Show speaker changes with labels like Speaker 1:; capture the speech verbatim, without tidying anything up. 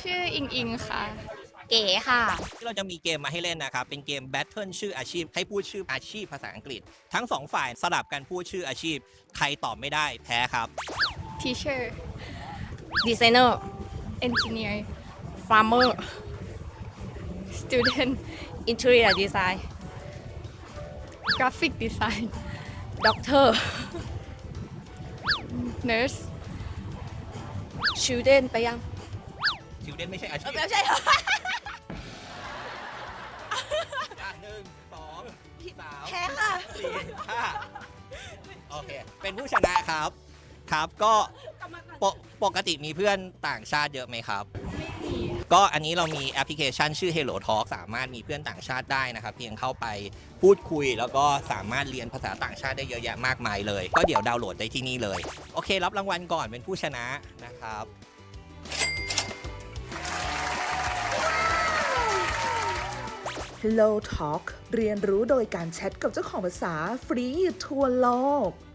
Speaker 1: ชื่ออิงอิงค่ะ
Speaker 2: เก๋ค่ะ
Speaker 3: ที่เราจะมีเกมมาให้เล่นนะครับเป็นเกม Battle ชื่ออาชีพให้พูดชื่ออาชีพภาษาอังกฤษทั้งสองฝ่ายสลับกันพูดชื่ออาชีพใครตอบไม่ได้แพ้ครับ
Speaker 1: teacher
Speaker 2: ดีไซเนอร์
Speaker 1: engineer
Speaker 2: ฟาร์มเมอร์
Speaker 1: student
Speaker 2: อินเทอร์เนียดีไซน์
Speaker 1: graphic design
Speaker 2: ด็อกเตอร์
Speaker 1: nurse
Speaker 2: ชิลเดนไปยัง
Speaker 3: ชิวเดนไม่ใช่อาชีพ
Speaker 2: ไม่ใช่เหรอ
Speaker 3: อ่ะหนึ่งสองสาม
Speaker 2: แพ้ค่ะ
Speaker 3: สี่ห้าโอเคเป็นผู้ชนะครับครับก็ปกปกติมีเพื่อนต่างชาติเยอะไหมครับ ก็อันนี้เรามีแอปพลิเคชันชื่อ Hello Talk สามารถมีเพื่อนต่างชาติได้นะครับ เพียงเข้าไปพูดคุยแล้วก็สามารถเรียนภาษาต่างชาติได้เยอะแยะมากมายเลย ก็เดี๋ยวดาวน์โหลดได้ที่นี่เลย โอเครับรางวัลก่อนเป็นผู้ชนะนะครับ
Speaker 4: Hello Talk เรียนรู้โดยการแชทกับเจ้าของภาษาฟรีทั่วโลก